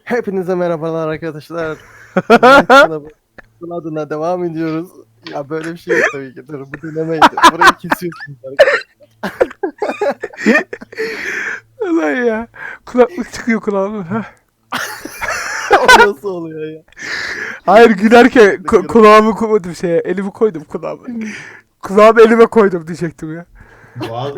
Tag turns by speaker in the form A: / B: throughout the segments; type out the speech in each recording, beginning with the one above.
A: Hepinize merhabalar arkadaşlar. Bunun adına devam ediyoruz. Ya böyle bir şey yok tabii ki. Dur bu denemeydi. Burayı kesiyorsunuz arkadaşlar.
B: Ulan ya. Kulaklık çıkıyor kulağıma. Heh.
A: O nasıl oluyor ya?
B: Hayır gülerken kulağımı koydum şeye. Elimi koydum kulağıma. Kulağımı elime koydum diyecektim ya.
C: Doğal.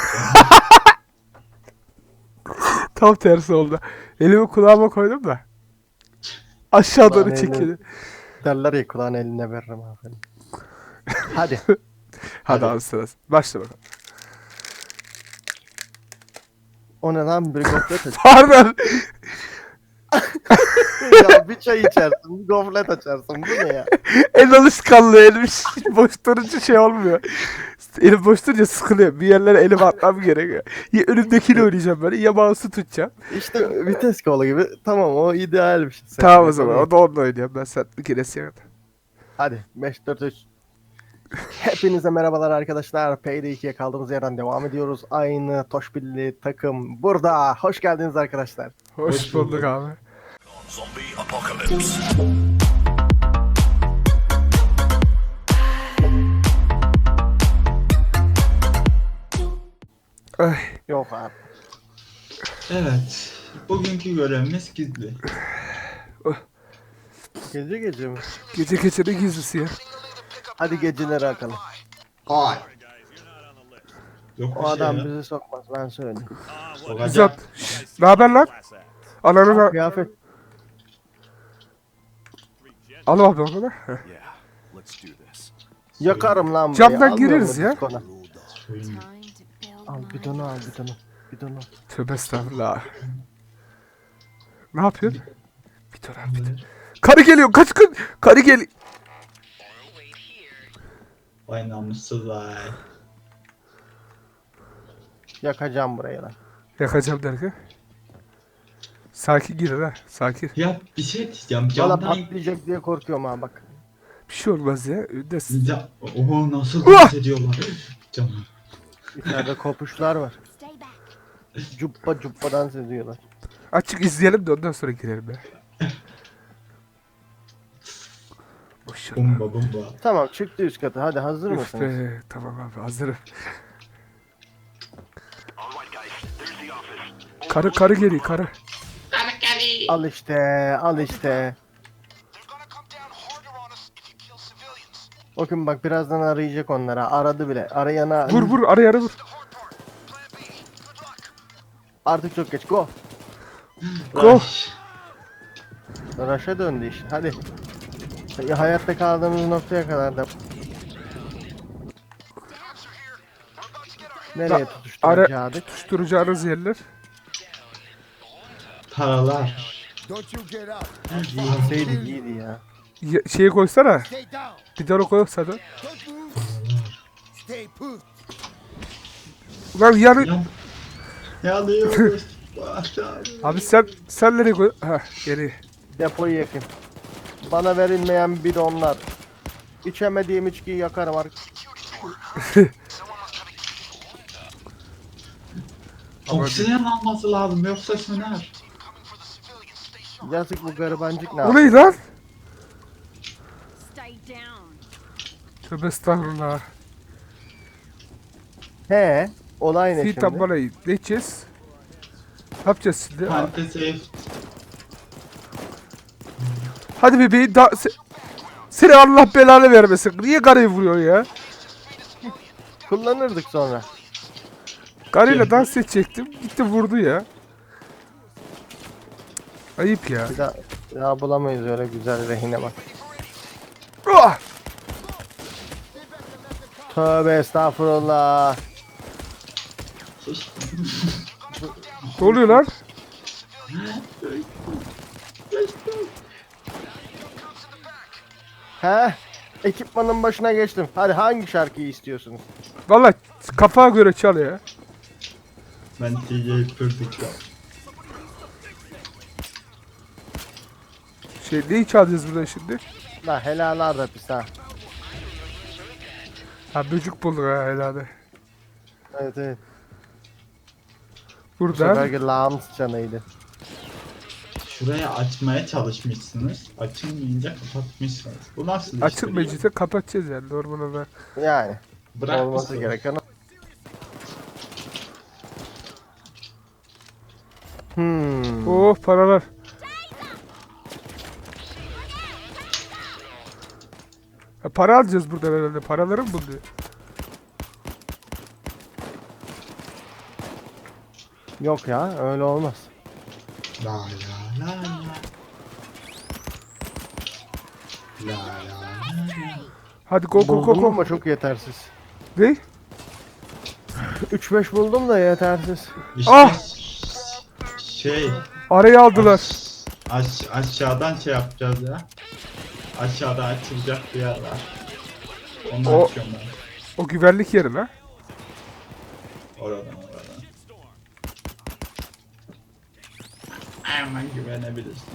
B: Tam tersi oldu. Elimi kulağıma koydum da. Aşağı doğru
A: Kulağın
B: çekildi.
A: Derler ya kulağın eline veririm abi. Hadi.
B: Hadi abi sırası. Başla bakalım.
A: O ne lan bir gofret aç.
B: Pardon.
A: Ya bir çay içersin, bir gofret açarsın. Bu ne ya?
B: El alışkanlığı elim boş durunca şey olmuyor. Elim boş durunca sıkılıyor. Bir yerlere elim atmam gerekiyor. Ya önümdekiyle oynayacağım böyle ya mouse'u tutacağım.
A: İşte vites kolu gibi. Tamam o ideal bir şey.
B: Tamam o zaman. O da onunla oynuyorum. Ben sen bir kere sevmedim.
A: Hadi 5-4-3. Hepinize merhabalar arkadaşlar. Payday 2'ye kaldığımız yerden devam ediyoruz. Aynı Toşbilli takım burada. Hoş geldiniz arkadaşlar.
B: Hoş bulduk abi.
D: Zombie apocalypse.
B: Ay,
A: Yok abi.
C: Evet. Bugünkü görevimiz gizli.
A: Gece gece mi?
B: gece ne gizlisi ya.
A: Hadi geceleri akalım.
C: Hay. Yok
A: O
C: bir
A: adam
C: şey ya.
A: bizi sokmaz ben söyleyeyim.
C: Sokacak.
B: Güzel. Ne haber lan? Ananı da...
A: Kıyafet.
B: Al abi onu da. Heh.
D: Yeah, let's do this.
A: Yakarım lan burayı.
B: Camdan
A: Almıyor
B: gireriz
A: mu
B: ya.
A: diskona?
C: Söyleyeyim.
A: Al bidonu al bidonu. Bidonu.
B: Tövbe estağfurullah. Ne yapıyorsun? Bir dur abi bir dur. Karı geliyor kaç gün. Karı geliyor.
C: Vay namussuz vay.
A: Yakacağım burayı lan.
B: Yakacağım derken. Sakin girin ha. Sakin.
C: Ya bir şey diyeceğim.
A: Valla
C: Camdan...
A: patlayacak diye korkuyorum ha bak.
B: Bir şey olmaz ya. Öndesin.
C: Ya, oho nasıl
B: Uah!
C: dans ediyorlar. Cam.
A: İçeride kopuşlar var. Cuppa cuppa dans ediyorlar.
B: Açık izleyelim de ondan sonra girelim ya. Boş ver.
C: Bomba bomba.
A: Tamam çıktı üst kata. Hadi hazır
B: Üf
A: mısınız?
B: be. Tamam abi hazırım. Karı geliyor karı.
A: Al işte, al işte. Bakın bak birazdan arayacak onlara. Aradı bile. Arayana
B: Vur araya vur.
A: artık çok geç. Go.
B: Go.
C: Rush.
A: Raş'a döndü iş. Hadi. Ya, hayatta kaldığımız noktaya kadar da. Nereye tutuşturacağız?
B: Tutuşturacağınız yerler.
C: Paralar.
A: Giyseydi iyiydi ya.
B: Şeyi koysana. Bir tane koysana. Ulan yani
C: Yan. Yanıyoruz. Başlar.
B: abi sen nereye koy? Ha geri.
A: Depoyu yakın. Bana verilmeyen bidonlar. İçemediğim içkiyi yakarım artık.
C: Oksijen alması lazım yoksa söner.
A: Yazık bu garibancık ne
B: O
A: yapıyor?
B: ne lan?
E: Stay down.
B: Tövbe estağfurullah.
A: He, olay ne şimdi?
B: Fitan bana ne edeceğiz? Ne yapacağız şimdi?
C: Fantezi.
B: Hadi bebeğim seni Allah belanı vermesin. Niye karıyı vuruyor ya?
A: Kullanırdık sonra.
B: Karıyla dans edecektim. Gitti vurdu ya. Ayıp ya.
A: Bir daha bulamayız öyle güzel rehine bak.
B: Ah!
A: Tövbe estağfurullah.
B: Ne oluyor lan?
A: He? Ekipmanın başına geçtim. Hadi hangi şarkıyı istiyorsunuz?
B: Valla kafaya göre çal ya.
C: Ben DJ Pırdık'ta.
B: Neyi çalacağız burada şimdi?
A: La helalar da pis ha.
B: Ha böcük bulduk ha herhalde.
A: Evet evet. Bu
B: Burada.
A: seferki lağım sıçanıydı.
C: Şuraya açmaya çalışmışsınız. Açılmayınca kapatmışsınız. Bu nasıl
B: Açık
C: işbirliği?
B: meclise kapatacağız yani normal olarak.
A: Yani
C: Bırak
A: olması
C: mısınız?
A: gereken o. Hmm.
B: Oh paralar. Ha, para alacağız burada herhalde. Paraları mı buluyor?
A: Yok ya öyle olmaz.
C: La la la la. La la la.
B: Hadi go go go
A: Buldum
B: go.
A: ama çok yetersiz.
B: Ne?
A: 3-5 buldum da yetersiz.
C: İşte
B: Ah!
C: şey
B: Arayı aldılar.
C: aşağıdan şey yapacağız ya. Aşağıda açılacak bir yer var. Onu
B: O-
C: açıyorum ben.
B: O güvenlik yeri lan.
C: Oradan. Hemen güvenebilirsin.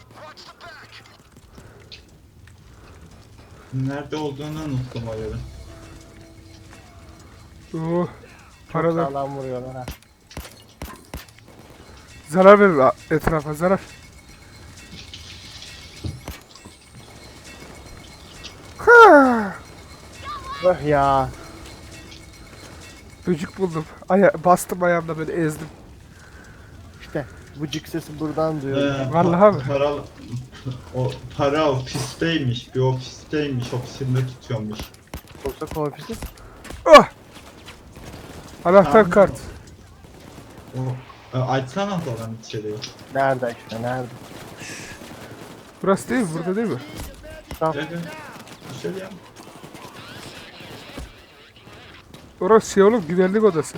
C: Nerede olduğunu unuttum o yerin.
B: Oh.
A: Çok
B: Paralar.
A: sağlam vuruyorlar ha.
B: Zarar verir etrafa zarar. Ha!
A: Öh ya.
B: Böcük buldum. Bastım ayağımda böyle ezdim.
A: İşte vıcık sesi buradan duyuyorum.
B: Vallahi mi?
C: Para ofisteymiş. Bir ofisteymiş. Ofisinde tutuyormuş.
A: Yoksa ofisi.
B: Oh! Anahtar
C: Tamam.
B: kart.
C: Açsana falan içeriği.
A: Nerede işte nerede?
B: Burası değil mi? Burada değil mi?
A: Tamam.
C: Gel. Bir şey yap.
B: Orası şey oğlum güvenlik odası.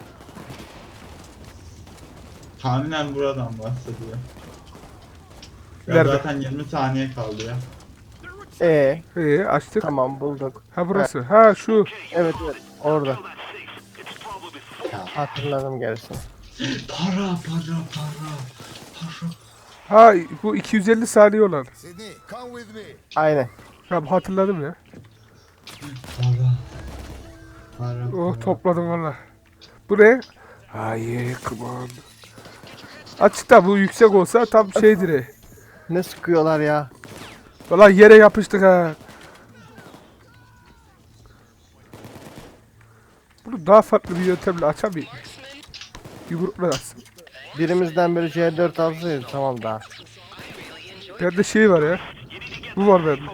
C: Tahminen buradan bahsediyor. Ya
B: Nerede?
C: zaten 20 saniye kaldı ya.
B: Açtık.
A: Tamam bulduk.
B: Ha burası. Ha şu.
A: Evet evet orada. Hatırladım gerisini.
C: Para.
B: Ha bu 250 saniye olan.
D: Sydney, come with me.
A: Aynen.
B: Tamam hatırladım ya.
C: Para.
B: Oh topladım valla. Bu ne? Hayır come on. Açıkta bu yüksek olsa tam şeydir.
A: Ne sıkıyorlar ya.
B: Valla yere yapıştık ha. Bunu daha farklı bir yöntemle açamayayım. Yumrukla atsın.
A: Birimizden biri C4 alsaydı tamam daha.
B: Bende şey var ya. Bu var bende.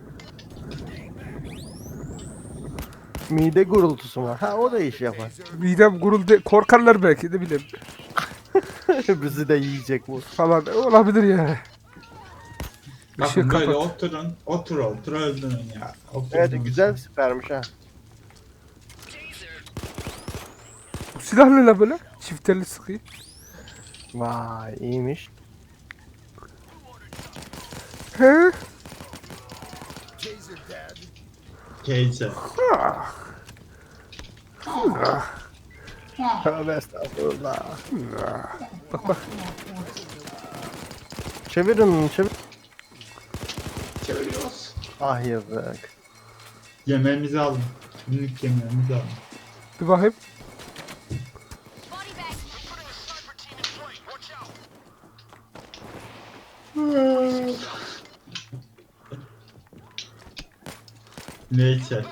A: Mide gurultusu var. Ha o da iş yapar.
B: Midem guruldu. Korkarlar belki de bileyim.
A: Bizi de yiyecek bu.
B: Falan olabilir yani.
C: Bakın böyle
B: kapat.
C: otur öldürün ya.
A: Evet güzel sipermiş ha.
B: Bu silah ne la böyle? Çifterli sıkıyor.
A: Vay iyiymiş.
B: He?
C: Keyse.
A: Tövbe estağfurullah.
B: Bak bak.
A: Çevirin çevir.
C: Çeviriyoruz.
A: Ah yazık.
C: Yemeğimizi alın. Günlük yemeğimizi alın.
B: Bir bakayım.
C: Neyse.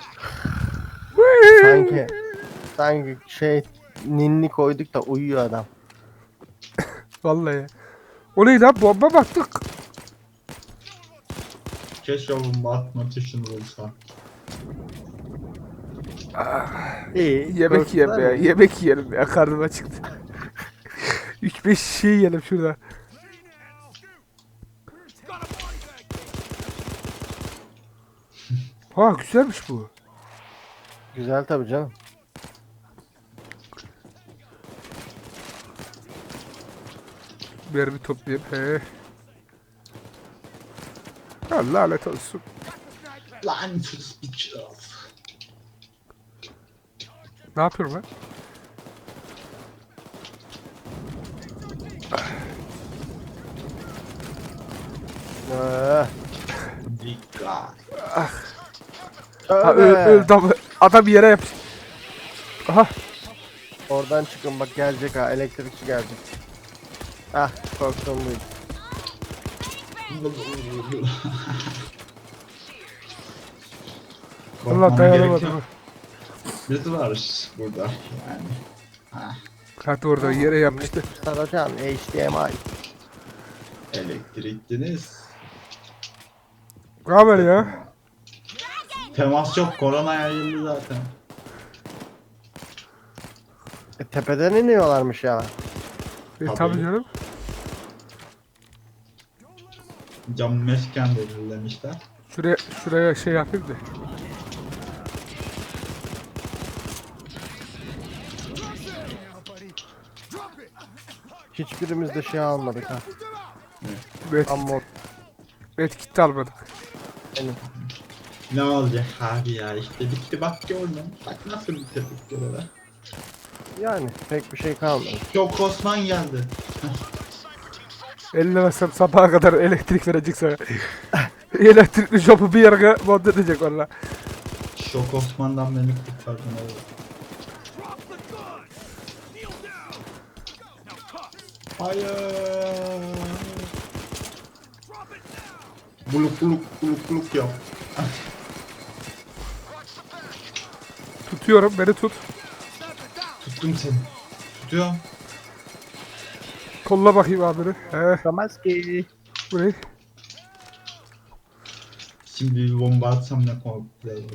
A: Sanki şey ninni koyduk da uyuyor adam.
B: Vallahi. O ne lan? Bomba baktık.
C: Keşke bomba atma tuşunu bulsa.
A: İyi.
B: Yemek
A: korktular
B: yiyem ya.
A: mı?
B: Yemek yiyelim ya. Karnım acıktı. 3-5 şey yiyelim şurada. Ha güzelmiş bu.
A: Güzel tabii canım.
B: Mermi toplayayım. He. Ha, lanet olsun.
C: Lanet bitches.
B: Ne yapıyorum lan?
A: Ee,
C: Dikkat.
B: Ha,
A: tövbe.
B: adam bir yere yapıştı. Aha.
A: Oradan çıkın bak gelecek ha elektrikçi gelecek. Ah korktum buydu.
B: Allah
C: Korkmama
B: dayanamadım.
C: gerek yok. Biz varız burada yani. Ha,
B: Hadi orada yere yapmıştı.
A: Saracan HDMI.
C: elektriktiniz.
B: Ne haber ya?
C: Temas yok, korona yayıldı zaten.
A: Tepeden iniyorlarmış ya.
C: Tabii.
B: Tabii canım.
C: Cam mesken belirlemişler.
B: Şuraya şey yapayım da.
A: Hiçbirimiz de şey almadık ha.
B: Medkit,
A: Ama
B: medkit de almadık.
A: benim.
C: Ne olacak abi ya, işte bitti bak gördüm. Bak nasıl bitirdik görevi.
A: Yani pek bir şey kalmadı.
C: Çok Osman geldi.
B: Eline versem sabaha kadar elektrik verecek sana. Elektrikli jopu bir yere monte edecek valla.
C: Şok Osman'dan beni kurtardın oğlum. Hayır. Buluk buluk buluk buluk yap.
B: Tutuyorum, beni tut.
C: Tuttum seni. Tutuyorum.
B: Kolla bakayım abini.
A: Çıkamaz ki.
B: Bu ne?
C: Şimdi bir bomba atsam ne güzel olur.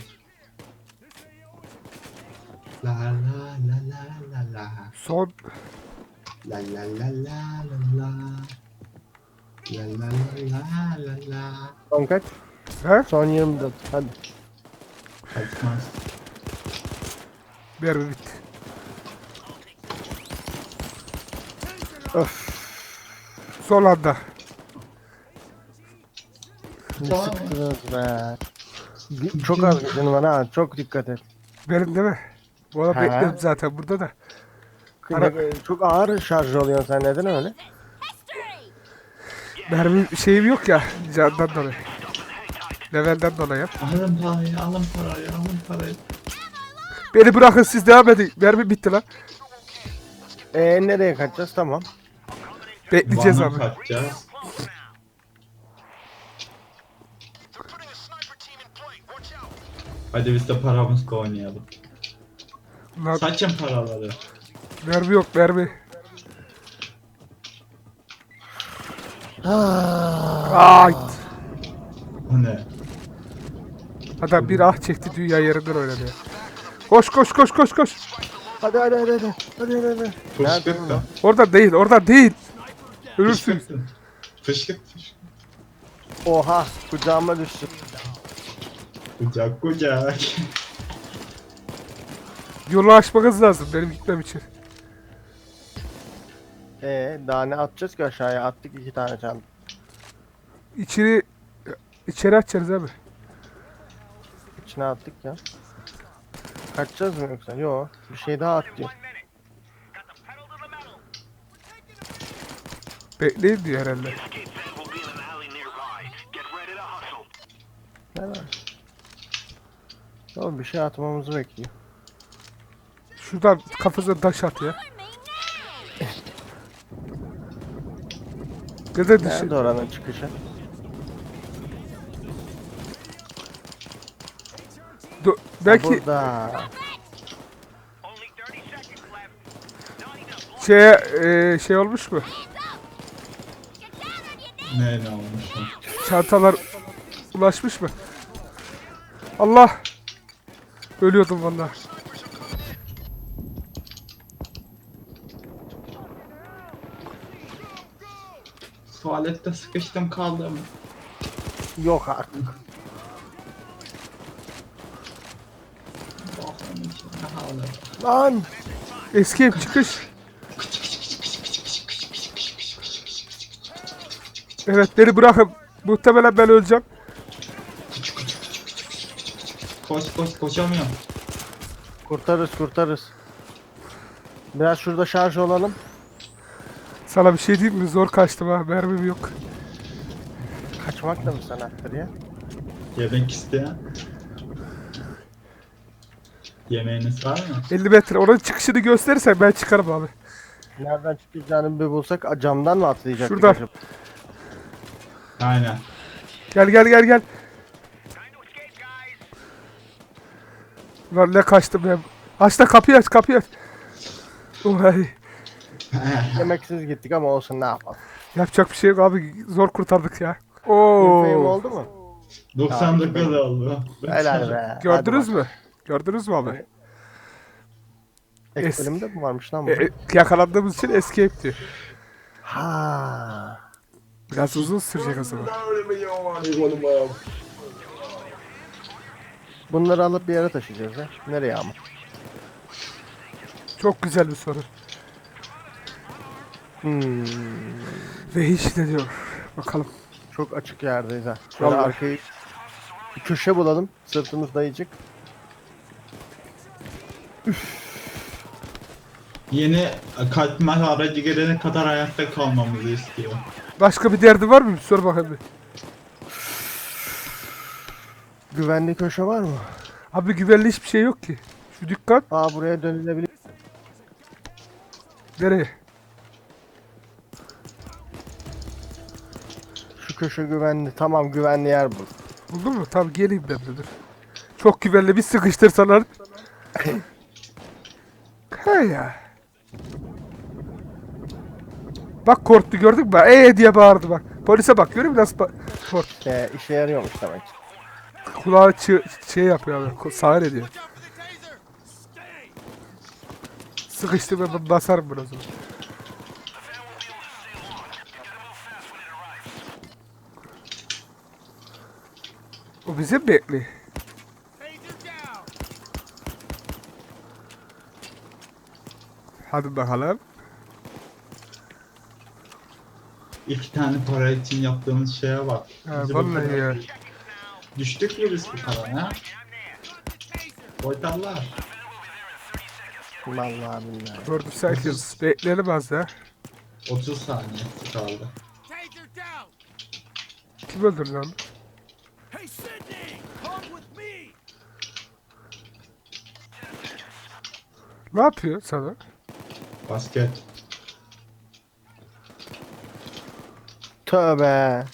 C: La la la la la la.
B: Son.
C: La la la la la la. La la la la la la.
A: Son kaç?
B: He?
A: Son 24. Hadi.
C: Kaçmaz.
B: Mermi bitti.
A: Öf.
B: Son anda.
A: Ne
C: Tamam.
A: sıktınız be. Çok az gücün var ha. Çok dikkat et.
B: Benim değil mi? Bu arada
A: He.
B: bekliyorum zaten burada da. Ara-
A: Çok ağır şarj oluyorsun sen, neden öyle?
B: Mermi şeyim yok ya. Candan dolayı. Levelden dolayı.
C: Alın parayı, alın parayı, alın parayı.
B: Beni bırakın siz devam edin. Mermi bitti lan.
A: Nereye kaçacağız? Tamam.
B: Bekleyeceğiz
C: Van'a
B: abi.
C: kaçacağız. Hadi biz de paramızla oynayalım.
B: Lan,
C: Saçın paraları.
B: mermi yok mermi. Ay.
C: O ne?
B: Adam bir ah çekti dünya yerinden oynadı ya. Koş koş koş koş koş.
A: Hadi hadi hadi hadi. Hadi hadi hadi.
C: Fışkırttın.
B: Oradan değil oradan değil. Ölürsün.
C: Fışkırttın. Fışkırt fışkırt.
A: Oha, kucağıma düştü.
C: Kucak kucak.
B: Yolu açmanız lazım benim gitmem için.
A: Daha ne atacağız ki aşağıya? Attık 2 tane çanta.
B: İçeri açacağız abi.
A: İçine attık ya. Kaçacağız mı yoksa? Yo, bir şey daha at diyor.
B: Bekleyin diyor herhalde.
A: Ne var? Yo, bir şey atmamızı bekliyor.
B: Şuradan kafasına taş at ya. Neden düşün?
A: Nerede oranın çıkışı?
B: Belki
A: Burada.
B: şey olmuş mu?
C: Ne olmuş?
B: Çantalar ulaşmış mı? Allah! Ölüyordum vallahi.
C: Tuvalette sıkıştım kaldım.
A: Yok artık.
C: Bakın içine hala.
A: Lan!
B: Eski ev çıkış. Evet beni bırakın. Muhtemelen ben öleceğim.
C: Koş koşamıyorum.
A: Kurtarırız. Biraz şurada şarj olalım.
B: Sana bir şey diyeyim mi? Zor kaçtım ha. Mermim yok.
A: Kaçmak da mı sanattır ya?
C: Yemek isteyen. Yemeğiniz var mı?
B: 50 metre. Onun çıkışını gösterirsen ben çıkarım abi.
A: Nereden çıkacağını bir bulsak camdan mı atlayacaktık
B: Şuradan.
A: acaba?
C: Aynen.
B: Gel gel gel gel. Lan ne kaçtım ben. Aç da kapıyı aç kapıyı aç. Vay.
A: Yemeksiz gittik ama olsun ne yapalım.
B: Yapacak bir şey yok abi. Zor kurtardık ya.
A: Infame
B: Oo.
A: oldu mu?
C: 99 oldu.
A: Helal be.
B: Gördünüz
A: Hadi
B: mü? Gördünüz mü abi?
A: Evet. bak. Ek bölümde mi varmış lan bu?
B: Yakalandığımız için escape diyor.
A: Ha.
B: Biraz uzun sürecek o zaman.
A: Bunları alıp bir yere taşıyacağız ya. Nereye ama?
B: Çok güzel bir soru. Ve hiç ne diyor. Bakalım.
A: Çok açık yerdeyiz ha. Şöyle
B: Vallahi.
A: arkayı bir köşe bulalım. Sırtımız dayayacak.
C: Yeni katmer aracı gelene kadar hayatta kalmamızı istiyor.
B: Başka bir derdi var mı? Bir sor bakalım bir.
A: Güvenli köşe var mı?
B: Abi güvenli hiçbir şey yok ki. Şu dükkan
A: Aa buraya dönülebilir.
B: nereye?
A: Şu köşe güvenli. Tamam güvenli yer bul.
B: Buldun mu? Tamam geleyim ben de dur. Çok güvenli bir sıkıştırsalar. He ya. Bak korktu gördün mü? Diye bağırdı bak. Polise bak görüyor musun nasıl korktu.
A: İşe yarıyormuş demek.
B: Kulağı şey yapıyor abi. Sağır ediyor. Sıkıştı ben basarım bunu o zaman. O bizi mi bekliyor? Hadi bakalım.
C: 2 tane para için yaptığımız şeye bak.
B: Ha,
C: Bizi
B: vallahi
C: bu kadar-
B: ya.
C: Düştük mü biz bu kadar ha? Boytallar.
A: Vallahi billahi.
B: Gördüm sakiz. Bekleyelim az ya.
C: 30 saniye kaldı.
B: Kim öldürdü lan?
D: Hey, Sydney! Come with me!
B: Ne yapıyor sana?
C: Basket.
A: Tövbe.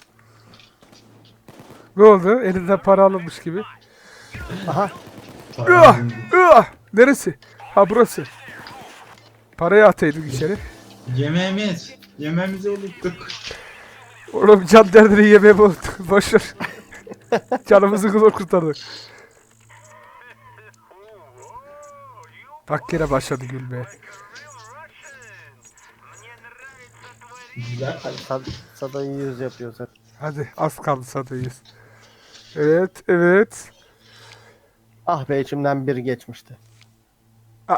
B: Ne oldu? Elinden para alınmış gibi.
A: Aha.
B: Ah! Ah! Neresi? Ha burası. Parayı ataydık içeri.
C: Yemeğimiz. Yemeğimizi unuttuk.
B: Oğlum can derdini yemeye boşver. Canımızı zor kurtardık. Bak yine başladı gülmeye.
C: Güzel.
A: Hadi sadayı 100 yapıyor zaten.
B: Hadi az kaldı satayız. Evet evet.
A: Ah be içimden bir geçmişti.
B: Aa,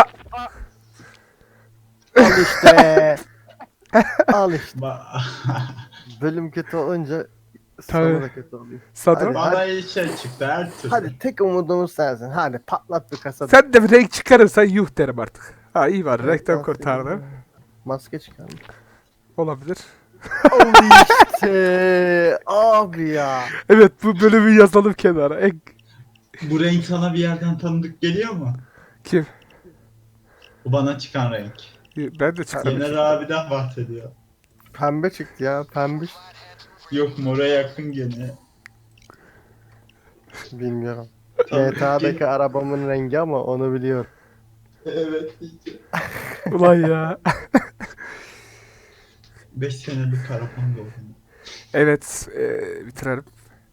A: Al işte. Al işte.
C: Ba-
A: Bölüm kötü olunca
B: Tabii.
A: sonu da kötü oluyor.
B: Sado.
A: Hadi.
C: Bana iyi şey çıktı her türlü.
A: Hadi tek umudumuz sensin. Hadi patlat bir kasa.
B: Sen de bir renk çıkarırsan yuh derim artık. Ha iyi var renkten kurtardım.
A: Maske çıkarmış.
B: Olabilir.
A: Al işte. Abi ya.
B: Evet bu bölümü yazalım kenara.
C: Bu renk sana bir yerden tanıdık geliyor mu?
B: Kim?
C: Bu bana çıkan renk.
B: Ben de çıkarım.
C: Yener abiden bahsediyor.
A: Pembe çıktı ya. Pembiş.
C: Yok mora yakın gene.
A: Bilmiyorum.
C: Tabii.
A: GTA'daki arabamın rengi ama onu biliyorum.
C: Evet işte.
B: Ulan ya.
C: 5 senelik arabam oldu.
B: Evet bitirelim.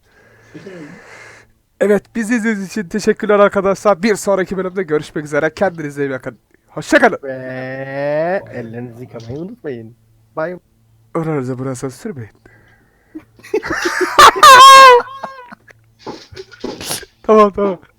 B: Evet bizi izlediğiniz için teşekkürler arkadaşlar. Bir sonraki bölümde görüşmek üzere. Kendinize iyi bakın. Hoşçakalın.
A: Ve ellerinizi yıkamayı unutmayın. Bye.
B: Oranıza burası sürmeyin. Tamam tamam.